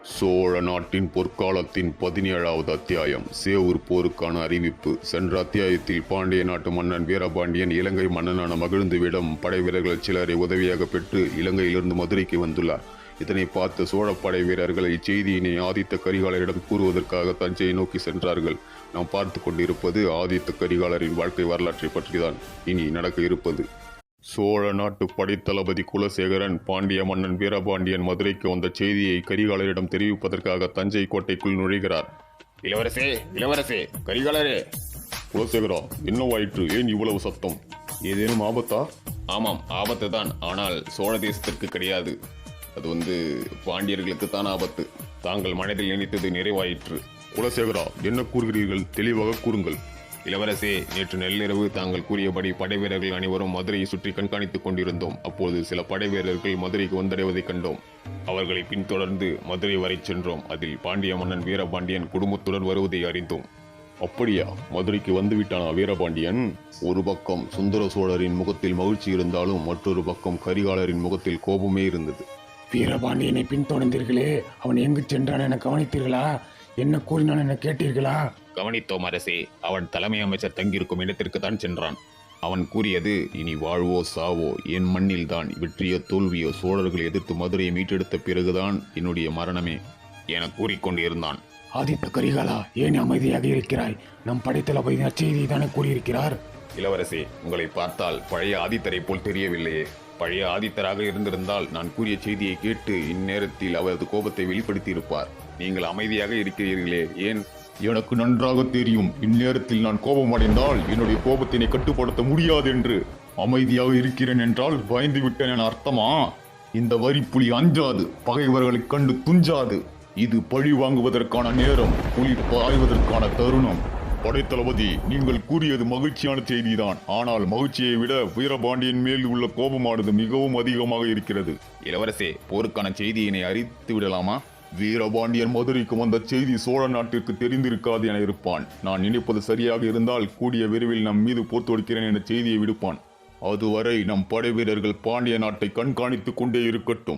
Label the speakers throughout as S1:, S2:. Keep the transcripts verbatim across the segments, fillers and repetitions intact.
S1: சோழ நாட்டின் பொற்காலத்தின் பதினேழாவது அத்தியாயம் சேவூர் போருக்கான அறிவிப்பு. சென்ற அத்தியாயத்தில் பாண்டிய நாட்டு மன்னன் வீரபாண்டியன் இலங்கை மன்னனான மகிழ்ந்துவிடம் படை வீரர்கள் சிலரை உதவியாக பெற்று இலங்கையிலிருந்து மதுரைக்கு வந்துள்ளார். இதனை பார்த்த சோழ படை வீரர்கள் இச்செய்தியினை ஆதித்த கரிகாலரிடம் கூறுவதற்காக தஞ்சையை நோக்கி சென்றார்கள். நாம் பார்த்து கொண்டிருப்பது ஆதித்த கரிகாலரின் வாழ்க்கை வரலாற்றை பற்றிதான் இனி நடக்க இருப்பது. சோழ நாட்டு படைத்தளபதி குலசேகரன் பாண்டிய மன்னன் வீரபாண்டியன் மதுரைக்கு வந்த செய்தியை கரிகாலரிடம் தெரிவிப்பதற்காக தஞ்சை கோட்டைக்குள் நுழைகிறார்.
S2: இளவரசே இளவரசே கரிகாலரே.
S1: குலசேகரா, என்னவாயிற்று? ஏன் இவ்வளவு சத்தம்? ஏதேனும் ஆபத்தா?
S2: ஆமாம், ஆபத்து தான். ஆனால் சோழ தேசத்திற்கு கிடையாது. அது வந்து பாண்டியர்களுக்கு தான் ஆபத்து. தாங்கள் மனதில் நினைத்தது நிறைவாயிற்று.
S1: குலசேகரா, என்ன கூறுகிறீர்கள்? தெளிவாக கூறுங்கள்.
S2: இளவரசே, நேற்று நள்ளிரவு தாங்கள் கூறியபடி படை வீரர்கள் அனைவரும் மதுரையை சுற்றி கண்காணித்துக் கொண்டிருந்தோம். அப்போது சில படை வீரர்கள் மதுரைக்கு வந்தடைவதை கண்டோம். அவர்களை பின்தொடர்ந்து மதுரை வரை சென்றோம். அதில் பாண்டிய மன்னன் வீரபாண்டியன் குடும்பத்துடன் வருவதை அறிந்தோம்.
S1: அப்படியா? மதுரைக்கு வந்துவிட்டானா வீரபாண்டியன்? ஒரு பக்கம் சுந்தர சோழரின் முகத்தில் மகிழ்ச்சி இருந்தாலும் மற்றொரு பக்கம் கரிகாலரின் முகத்தில் கோபமே இருந்தது.
S3: வீரபாண்டியனை பின்தொடர்ந்தீர்களே, அவன் எங்கு சென்றான் என கவனித்தீர்களா? என்ன கூறினான் என கேட்டீர்களா?
S2: கவனித்தோம் அரசே. அவன் தலைமை அமைச்சர் தங்கியிருக்கும் இடத்திற்கு தான் சென்றான். அவன் கூறியது, இனி வாழ்வோ சாவோ என் மண்ணில் தான், வெற்றியோ தோல்வியோ சோழர்களை எதிர்த்து மதுரையை மீட்டெடுத்த பிறகுதான் என்னுடைய மரணமே என கூறிக்கொண்டிருந்தான்.
S3: ஆதித்த கரிகாலா, ஏன் அமைதியாக இருக்கிறாய்? நம் படைத்தளபதி நற்செய்தியை தானே கூறியிருக்கிறார்.
S2: இளவரசே, உங்களை பார்த்தால் பழைய ஆதித்தரை போல் தெரியவில்லையே. பழைய ஆதித்தராக இருந்திருந்தால் நான் கூறிய செய்தியை கேட்டு இந்நேரத்தில் அவரது கோபத்தை வெளிப்படுத்தி இருப்பார். நீங்கள் அமைதியாக இருக்கிறீர்களே, ஏன்?
S1: எனக்கு நன்றாக தெரியும், இந்நேரத்தில் நான் கோபம் அடைந்தால் என்னுடைய கோபத்தினை கட்டுப்படுத்த முடியாது என்று. அமைதியாக இருக்கிறேன் என்றால் பயந்து விட்டேன் என அர்த்தமா? இந்த வரிப்புலி அஞ்சாது, பகைவர்களைக் கண்டு துஞ்சாது. இது பழி வாங்குவதற்கான நேரம், புலி பாய்வதற்கான தருணம். படைத்தளபதி, நீங்கள் கூறியது மகிழ்ச்சியான செய்திதான். ஆனால் மகிழ்ச்சியை விட வீரபாண்டியன் மேல் உள்ள கோபமானது மிகவும் அதிகமாக இருக்கிறது.
S2: இளவரசே, போருக்கான செய்தியினை அறிவித்து விடலாமா?
S1: வீரபாண்டியன் மதுரைக்கு வந்த செய்தி சோழ நாட்டிற்கு தெரிந்திருக்காது என இருப்பான். நான் நினைப்பது சரியாக இருந்தால் கூடிய விரைவில் நம் மீது போர் தொடுக்கிறேன் என செய்தியை விடுப்பான். அதுவரை நம் படை வீரர்கள் பாண்டிய நாட்டை கண்காணித்துக் கொண்டே இருக்கட்டும்.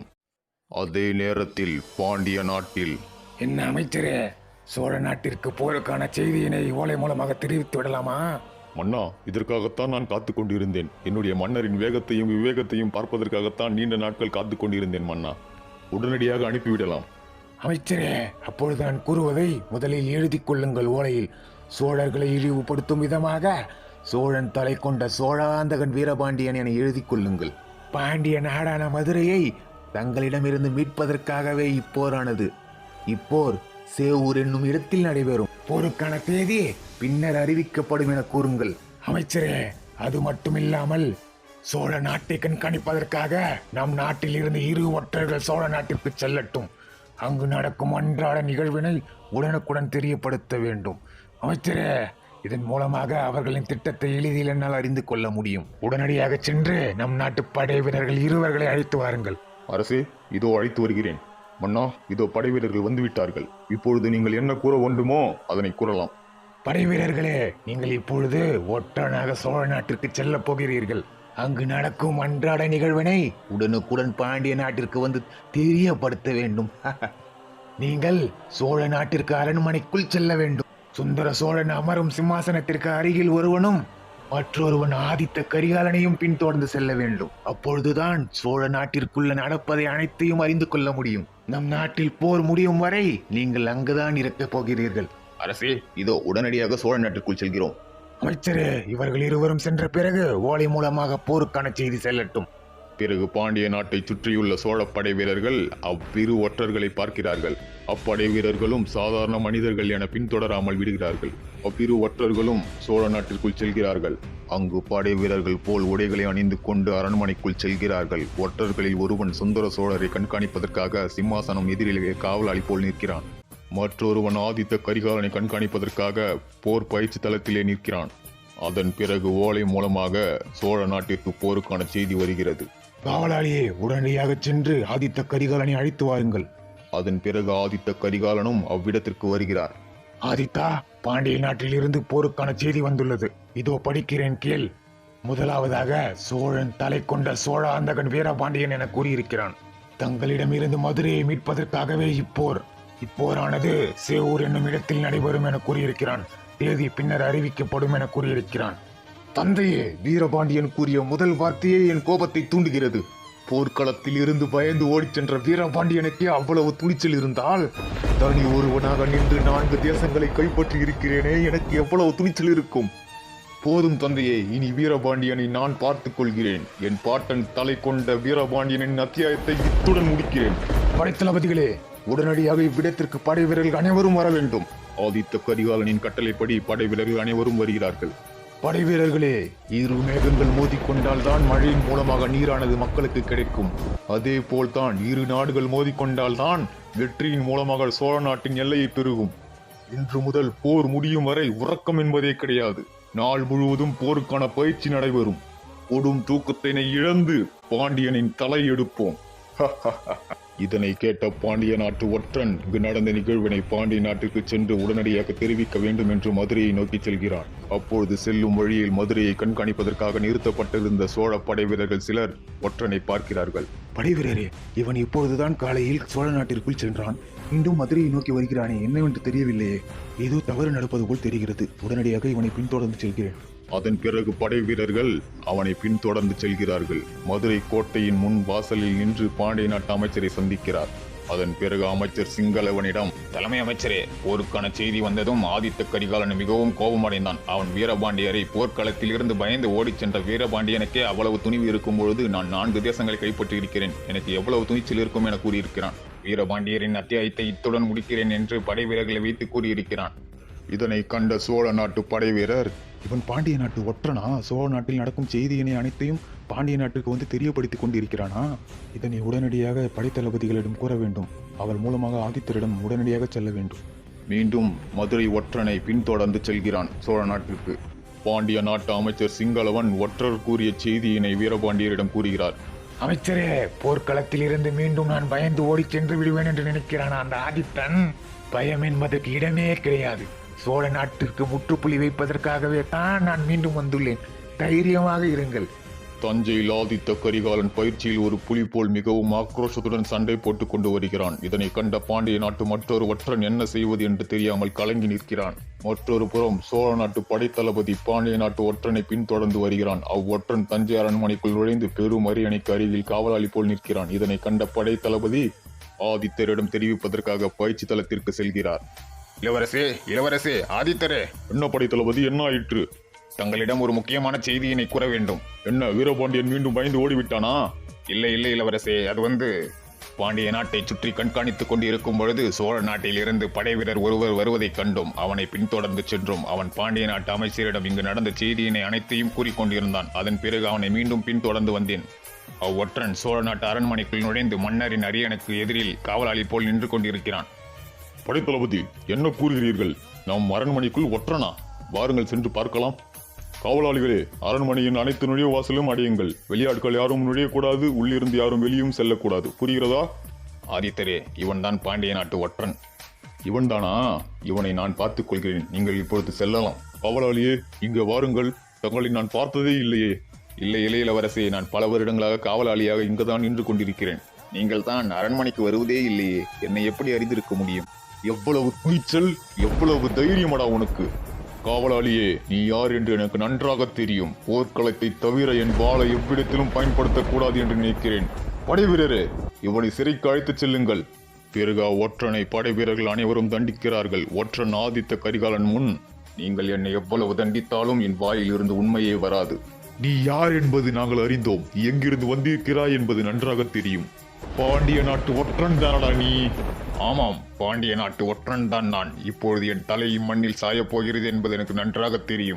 S1: அதே நேரத்தில் பாண்டிய நாட்டில்
S3: என்ன அமைச்சரே, சோழ நாட்டிற்கு போருக்கான செய்தியினை ஓலை மூலமாக தெரிவித்து விடலாமா?
S1: மன்னா, இதற்காகத்தான் நான் காத்து கொண்டிருந்தேன். என்னுடைய மன்னரின் வேகத்தையும் விவேகத்தையும் பார்ப்பதற்காகத்தான் நீண்ட நாட்கள் காத்து கொண்டிருந்தேன் மன்னா. உடனடியாக அனுப்பிவிடலாம்.
S3: அமைச்சரே, அப்பொழுது நான் கூறுவதை முதலில் எழுதி கொள்ளுங்கள் ஓலையில். சோழர்களை இழிவுபடுத்தும் விதமாக சோழன் தலை கொண்ட சோழாந்தகன் வீரபாண்டியன் என எழுதி கொள்ளுங்கள். பாண்டிய நாடான மதுரையை தங்களிடமிருந்து மீட்பதற்காகவே இப்போரானது. இப்போர் சேவூர் என்னும் இடத்தில் நடைபெறும். போருக்கான தேதி பின்னர் அறிவிக்கப்படும் என கூறுங்கள். அமைச்சரே, அது மட்டுமில்லாமல் சோழ நாட்டை கண்காணிப்பதற்காக நம் நாட்டில் இருந்து இரு ஒற்றர்கள் சோழ நாட்டிற்கு செல்லட்டும். அங்கு நடக்கும் அன்றாட நிகழ்வினை உடனுக்குடன் தெரியப்படுத்த வேண்டும். அமைச்சரே, இதன் மூலமாக அவர்களின் திட்டத்தை எளிதில் என்னால் அறிந்து கொள்ள முடியும். உடனடியாக சென்று நம் நாட்டு படை வீரர்கள் இருவர்களை அழைத்து வாருங்கள்.
S1: அரசே, இதோ அழைத்து வருகிறேன். மன்னா, இதோ படை வீரர்கள் வந்துவிட்டார்கள். இப்பொழுது நீங்கள் என்ன கூற வேண்டுமோ அதனை கூறலாம்.
S3: படை வீரர்களே, நீங்கள் இப்பொழுது ஒற்றனாக சோழ நாட்டிற்கு செல்ல போகிறீர்கள். அங்கு நடக்கும் அன்றாட நிகழ்வினை உடனுக்குடன் பாண்டிய நாட்டிற்கு வந்து தெரியப்படுத்த வேண்டும். நீங்கள் சோழ நாட்டிற்கு அரண்மனைக்குள் செல்ல வேண்டும். சுந்தர சோழன் அமரும் சிம்மாசனத்திற்கு அருகில் ஒருவனும் மற்றொருவன் ஆதித்த கரிகாலனையும் பின்தொடர்ந்து செல்ல வேண்டும். அப்பொழுதுதான் சோழ நாட்டிற்குள்ள நடப்பதை அனைத்தையும் அறிந்து கொள்ள முடியும். நம் நாட்டில் போர் முடியும் வரை நீங்கள் அங்குதான் இருக்கப் போகிறீர்கள்.
S2: அரசே, இதோ உடனடியாக சோழ நாட்டிற்குள் செல்கிறோம்.
S3: அமைச்சரே, இவர்கள் இருவரும் சென்ற பிறகு ஓலை மூலமாக போருக்கான செய்தி செல்லட்டும்.
S1: பிறகு பாண்டிய நாட்டை சுற்றியுள்ள சோழ படை வீரர்கள் அவ்விரு ஒற்றர்களை பார்க்கிறார்கள். அப்படை வீரர்களும் சாதாரண மனிதர்கள் என பின்தொடராமல் விடுகிறார்கள். அவ்விரு ஒற்றர்களும் சோழ நாட்டிற்குள் செல்கிறார்கள். அங்கு படை வீரர்கள் போல் உடைகளை அணிந்து கொண்டு அரண்மனைக்குள் செல்கிறார்கள். ஒற்றர்களில் ஒருவன் சுந்தர சோழரை கண்காணிப்பதற்காக சிம்மாசனம் எதிரிலே காவலாளி போல் நிற்கிறான். மற்றொருவன் ஆதித்த கரிகாலனை கண்காணிப்பதற்காக போர் பயிற்சி தளத்திலே நிற்கிறான். அதன் பிறகு ஓலை மூலமாக சோழ நாட்டிற்கு போருக்கான செய்தி வருகிறது.
S3: காவலாளியே, உடனடியாக சென்று ஆதித்த கரிகாலனை அழைத்து வாருங்கள்.
S1: அதன் பிறகு ஆதித்த கரிகாலனும் அவ்விடத்திற்கு வருகிறார்.
S3: ஆதித்தா, பாண்டிய நாட்டில் இருந்து போருக்கான செய்தி வந்துள்ளது. இதோ படிக்கிறேன், கேள். முதலாவதாக, சோழன் தலை கொண்ட சோழாந்தகன் வீரபாண்டியன் என கூறியிருக்கிறான். தங்களிடமிருந்து மதுரையை மீட்பதற்காகவே இப்போர். இப்போரானது சேவூர் என்னும் இடத்தில் நடைபெறும் என கூறியிருக்கிறான். தேதி பின்னர் அறிவிக்கப்படும் என கூறியிருக்கிறான். தந்தையே, வீரபாண்டியன் கூறிய முதல் வார்த்தையே என் கோபத்தை தூண்டுகிறது. போர்க்களத்தில் இருந்து பயந்து ஓடிச் சென்ற வீரபாண்டியனுக்கே அவ்வளவு துணிச்சல் இருந்தால் தனி ஒருவனாக நின்று நான்கு தேசங்களை கைப்பற்றி இருக்கிறேனே, எனக்கு எவ்வளவு துணிச்சல் இருக்கும்? போதும் தந்தையே, இனி வீரபாண்டியனை நான் பார்த்துக் கொள்கிறேன். என் பாட்டன் தலை கொண்ட வீரபாண்டியனின் அத்தியாயத்தை இத்துடன் முடிக்கிறேன். படைத்தளபதிகளே, உடனடியாக இவ்விடத்திற்கு படை வீரர்கள் அனைவரும் வர வேண்டும். ஆதித்த கரிகாலனின் கட்டளைப்படி படை வீரர்கள் அனைவரும் வருகிறார்கள். படை வீரர்களே, இரு மேகங்கள் மோதிக்கொண்டால் தான் மழையின் மூலமாக நீரானது மக்களுக்கு கிடைக்கும். அதே போல்தான் இரு நாடுகள் மோதிக்கொண்டால் தான் வெற்றியின் மூலமாக சோழ நாட்டின் எல்லையை பெருகும். இன்று முதல் போர் முடியும் வரை உறக்கம் என்பதே கிடையாது. நாள் முழுவதும் போருக்கான பயிற்சி நடைபெறும். கொடும் தூக்கத்தினை இழந்து பாண்டியனின் தலை எடுப்போம். இதனை கேட்ட பாண்டிய நாட்டு ஒற்றன் இங்கு நடந்த நிகழ்வினை பாண்டிய நாட்டுக்கு சென்று உடனடியாக தெரிவிக்க வேண்டும் என்று மதுரையை நோக்கி செல்கிறான். அப்பொழுது செல்லும் வழியில் மதுரையை கண்காணிப்பதற்காக நிறுத்தப்பட்டிருந்த சோழ படை வீரர்கள் சிலர் ஒற்றனை பார்க்கிறார்கள். படைவீரரே, இவன் இப்பொழுதுதான் காலையில் சோழ நாட்டிற்குள் சென்றான். மீண்டும் மதுரையை நோக்கி வருகிறானே, என்னவென்று தெரியவில்லையே. ஏதோ தவறு நடப்பது போல் தெரிகிறது. உடனடியாக இவனை பின்தொடர்ந்து செல்கிறேன். அதன் பிறகு படை வீரர்கள் அவனை பின்தொடர்ந்து செல்கிறார்கள். மதுரை கோட்டையின் முன் வாசலில் நின்று பாண்டிய நாட்டு அமைச்சரை சந்திக்கிறார். அதன் பிறகு அமைச்சர் சிங்களவனிடம்,
S2: தலைமை அமைச்சரே, போருக்கான செய்தி வந்ததும் ஆதித்த கரிகாலன் மிகவும் கோபமடைந்தான். அவன் வீரபாண்டியரை போர்க்களத்தில் இருந்து பயந்து ஓடிச் சென்ற வீரபாண்டியனுக்கே அவ்வளவு துணிவு இருக்கும் பொழுது நான் நான்கு தேசங்களை கைப்பற்றி இருக்கிறேன். எனக்கு எவ்வளவு துணிச்சல் இருக்கும் என கூறியிருக்கிறான். வீரபாண்டியரின் அத்தியாயத்தை இத்துடன் முடிக்கிறேன் என்று படை வீரர்களை வைத்து கூறியிருக்கிறான்.
S1: இதனை கண்ட சோழ நாட்டு படை வீரர்,
S3: இவன் பாண்டிய நாட்டு ஒற்றனா? சோழ நாட்டில் நடக்கும் செய்தியினை அனைத்தையும் பாண்டிய நாட்டுக்கு வந்து தெரியப்படுத்திக் கொண்டிருக்கிறானா? இதனை உடனடியாக படைத்தளபதிகளிடம் கூற வேண்டும். அவர் மூலமாக ஆதித்தரிடம் உடனடியாக செல்ல வேண்டும்.
S1: மீண்டும் மதுரை ஒற்றனை பின்தொடர்ந்து செல்கிறான் சோழ நாட்டிற்கு. பாண்டிய நாட்டு அமைச்சர் சிங்களவன் ஒற்றர் கூறிய செய்தியினை வீரபாண்டியரிடம் கூறுகிறார்.
S3: அமைச்சரே, போர்க்களத்தில் இருந்து மீண்டும் நான் பயந்து ஓடி சென்று விடுவேன் என்று நினைக்கிறான் அந்த ஆதித்தன். பயம் என்பதற்கு இடமே கிடையாது. சோழ நாட்டிற்கு முற்றுப்புள்ளி வைப்பதற்காகவே தான் நான் மீண்டும் வந்துள்ளேன். தைரியமாக இருங்கள்.
S1: தஞ்சையில் ஆதித்த கரிகாலன் பயிற்சியில் ஒரு புலி போல் மிகவும் ஆக்ரோஷத்துடன் சண்டை போட்டுக் கொண்டு வருகிறான். இதனை கண்ட பாண்டிய நாட்டு மற்றொரு ஒற்றன் என்ன செய்வது என்று தெரியாமல் கலங்கி நிற்கிறான். மற்றொரு புறம் சோழ நாட்டு படைத்தளபதி பாண்டிய நாட்டு ஒற்றனை பின்தொடர்ந்து வருகிறான். அவ்வொற்றன் தஞ்சை அரண்மனைக்குள் நுழைந்து பெரும் அரியணைக்கு அருகில் காவலாளி போல் நிற்கிறான். இதனை கண்ட படைத்தளபதி ஆதித்தரிடம் தெரிவிப்பதற்காக பயிற்சி தளத்திற்கு செல்கிறார்.
S2: இளவரசே, இளவரசே, ஆதித்தரே,
S1: என்ன படைத்தளபதி, என்ன ஆயிற்று?
S2: தங்களிடம் ஒரு முக்கியமான செய்தியினை கூற வேண்டும்.
S1: என்ன, வீரபாண்டியன் மீண்டும் பயந்து ஓடிவிட்டானா?
S2: இல்லை இல்லை இளவரசே, அது வந்து பாண்டிய நாட்டை சுற்றி கண்காணித்துக் கொண்டு இருக்கும் பொழுது சோழ நாட்டில் இருந்து படை வீரர் ஒருவர் வருவதைக் கண்டோம். அவனை பின்தொடர்ந்து சென்றோம். அவன் பாண்டிய நாட்டு அமைச்சரிடம் இங்கு நடந்த செய்தியினை அனைத்தையும் கூறிக்கொண்டிருந்தான். அதன் பிறகு அவனை மீண்டும் பின்தொடர்ந்து வந்தேன். அவ்வொற்றன் சோழ நாட்டு அரண்மனைக்குள் நுழைந்து மன்னரின் அரியணைக்கு எதிரில் காவலாளி போல் நின்று கொண்டிருக்கிறான்.
S1: படைத்தளபதி, என்ன கூறுகிறீர்கள்? நம் அரண்மனைக்குள் ஒற்றனா? வாருங்கள் சென்று பார்க்கலாம். காவலாளிகளே, அரண்மனையின் அனைத்து நுழைவு வாசலும் அடையுங்கள். வெளியாட்கள் யாரும் நுழையக்கூடாது. உள்ளிருந்து யாரும் வெளியும் செல்லக்கூடாது. புரிகிறதா?
S2: ஆதித்தரே, இவன்தான் பாண்டிய நாட்டு ஒற்றன்.
S1: இவன்தானா? இவனை நான் பார்த்துக் கொள்கிறேன். நீங்கள் இப்பொழுது செல்லலாம். காவலாளியே, இங்கு வாருங்கள். தங்களை நான் பார்த்ததே இல்லையே.
S2: இல்லை இல்லை இளவரசே, நான் பல வருடங்களாக காவலாளியாக இங்குதான் நின்று கொண்டிருக்கிறேன். நீங்கள் தான் அரண்மனைக்கு வருவதே இல்லையே. என்னை எப்படி அறிந்திருக்க முடியும்?
S1: எவ்வளவு துணிச்சல், எவ்வளவு தைரியமடா உனக்கு! காவலாளியே, நீ யார் என்று எனக்கு நன்றாக தெரியும். போர்க்களத்தை தவிர என் வாளை எவ்விடத்திலும் பயன்படுத்தக்கூடாது என்று நினைக்கிறேன். படை வீரரே, இவனை சிறைக்கு அழைத்துச் செல்லுங்கள். பிறகு ஒற்றனை படை வீரர்கள் அனைவரும் தண்டிக்கிறார்கள். ஒற்றன் ஆதித்த கரிகாலன் முன்,
S2: நீங்கள் என்னை எவ்வளவு தண்டித்தாலும் என் வாயில் இருந்து உண்மையே வராது.
S1: நீ யார் என்பது நாங்கள் அறிந்தோம். எங்கிருந்து வந்திருக்கிறாய் என்பது நன்றாக தெரியும். பாண்டிய நாட்டு ஒற்றன் தானடா நீ?
S2: ஆமாம், பாண்டிய நாட்டு ஒற்றன் தான் நான். இப்பொழுது என் தலை மண்ணில் சாயப் போகிறது என்பது எனக்கு நன்றாக தெரியும்.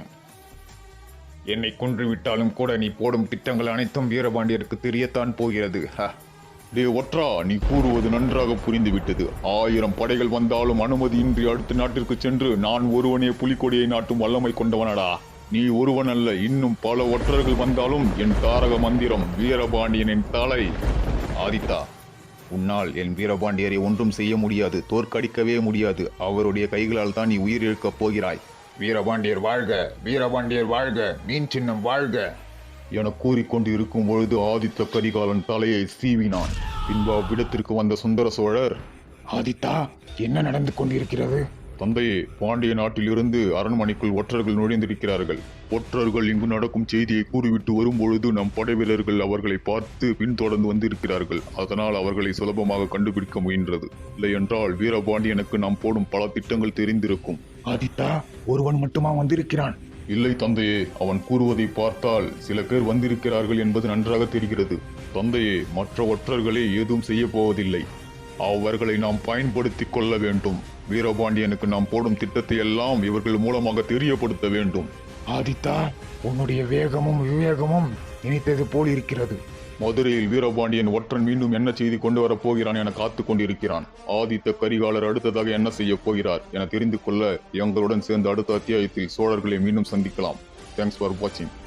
S2: என்னை கொன்று விட்டாலும் கூட நீ போடும் திட்டங்கள் அனைத்தும் வீரபாண்டியருக்கு தெரியத்தான் போகிறது.
S1: டே ஒற்றா, நீ கூறுவது நன்றாக புரிந்துவிட்டது. ஆயிரம் படைகள் வந்தாலும் அனுமதியின்றி அடுத்த நாட்டிற்கு சென்று நான் ஒருவனே புலிக்கொடியை நாட்டும் வல்லமை கொண்டவனடா. நீ ஒருவன் அல்ல, இன்னும் பல ஒற்றர்கள் வந்தாலும் என் தாரக மந்திரம் வீரபாண்டியனின் தலை.
S2: ஆதித்தா, உன்னால் என் வீரபாண்டியரை ஒன்றும் செய்ய முடியாது, தோற்கடிக்கவே முடியாது. அவருடைய கைகளால் தான் நீ உயிர் இழக்கப் போகிறாய். வீரபாண்டியர் வாழ்க, வீரபாண்டியர் வாழ்க, மீன் சின்னம் வாழ்க
S1: என கூறிக்கொண்டு இருக்கும் பொழுது ஆதித்த கரிகாலன் தலையை சீவினான். பின்பு அவ்விடத்திற்கு வந்த சுந்தர சோழர்,
S3: ஆதித்தா, என்ன நடந்து கொண்டிருக்கிறது?
S1: தந்தையே, பாண்டிய நாட்டிலிருந்து அரண்மனைக்குள் ஒற்றர்கள் நுழைந்திருக்கிறார்கள். ஒற்றர்கள் இங்கு நடக்கும் செய்தியை கூறிவிட்டு வரும்பொழுது நம் படை வீரர்கள் அவர்களை பார்த்து பின்தொடர்ந்து வந்திருக்கிறார்கள். அதனால் அவர்களை சுலபமாக கண்டுபிடிக்க முயன்றது. இல்லை என்றால் வீரபாண்டியனுக்கு நாம் போடும் பல திட்டங்கள் தெரிந்திருக்கும்.
S3: ஆதித்தா, ஒருவன் மட்டுமா வந்திருக்கிறான்?
S1: இல்லை தந்தையே, அவன் கூறுவதை பார்த்தால் சில பேர் வந்திருக்கிறார்கள் என்பது நன்றாக தெரிகிறது. தந்தையே, மற்ற ஒற்றர்களே ஏதும் செய்ய போவதில்லை. அவர்களை நாம் பயன்படுத்திக் கொள்ள வேண்டும். வீரபாண்டியனுக்கு நாம் போடும் திட்டத்தை எல்லாம் இவர்கள் மூலமாக தெரியப்படுத்த வேண்டும்.
S3: ஆதித்தா, உன்னுடைய வேகமும் விவேகமும் நினைத்தது போல் இருக்கிறது.
S1: மதுரையில் வீரபாண்டியன் ஒற்றன் மீண்டும் என்ன செய்தி கொண்டு வரப் போகிறான் என காத்து கொண்டிருக்கிறான். ஆதித்த கரிகாலர் அடுத்ததாக என்ன செய்ய போகிறார் என தெரிந்து கொள்ள எங்களுடன் சேர்ந்த அடுத்த அத்தியாயத்தில் சோழர்களை மீண்டும் சந்திக்கலாம். தேங்க்ஸ் ஃபார் வாட்சிங்.